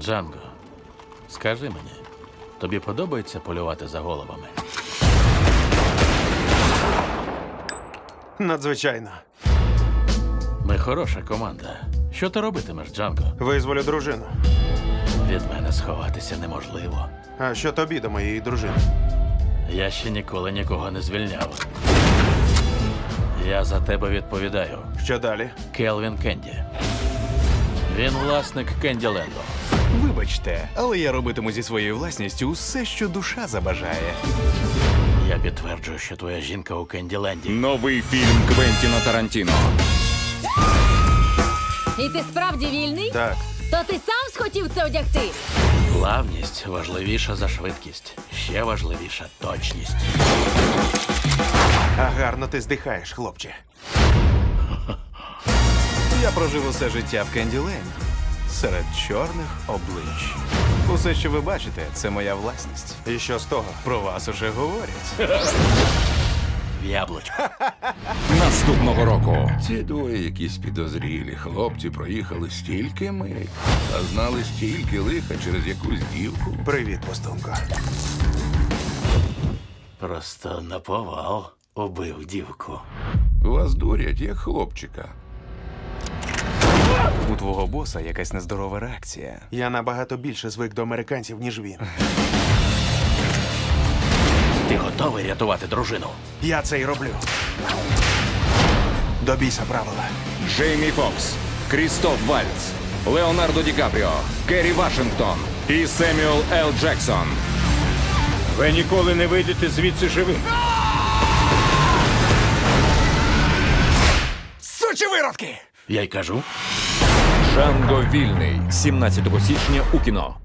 Джанго, скажи мені, тобі подобається полювати за головами? Надзвичайно. Ми хороша команда. Що ти робитимеш, Джанго? Визволю дружину. Від мене сховатися неможливо. А що тобі до моєї дружини? Я ще ніколи нікого не звільняв. Я за тебе відповідаю. Що далі? Келвін Кенді. Він власник Кенділенду. Вибачте, але я робитиму зі своєю власністю усе, що душа забажає. Я підтверджую, що твоя жінка у Кенділенді. Новий фільм Квентіна Тарантіно. І ти справді вільний? Так. То ти сам схотів це одягти? Плавність важливіша за швидкість. Ще важливіша точність. А гарно ти здихаєш, хлопче. Я прожив усе життя в Кенділенді. Серед чорних облич. Усе, що ви бачите, це моя власність. І що з того? Про вас уже говорять. В яблучко. Наступного року. Ці двоє якісь підозрілі хлопці проїхали стільки миль, а знали стільки лиха через якусь дівку. Привіт, пустунко. Просто наповал убив дівку. Вас дурять, як хлопчика. У твого боса якась нездорова реакція. Я набагато більше звик до американців, ніж він. Ти готовий рятувати дружину? Я це й роблю. До біса правила. Джеймі Фокс, Крістоф Вальц, Леонардо Ді Капріо, Керрі Вашингтон і Семюел Л. Джексон. Ви ніколи не вийдете звідси живим. Сучі виродки! Я й кажу. Джанго вільний. 17 січня у кіно.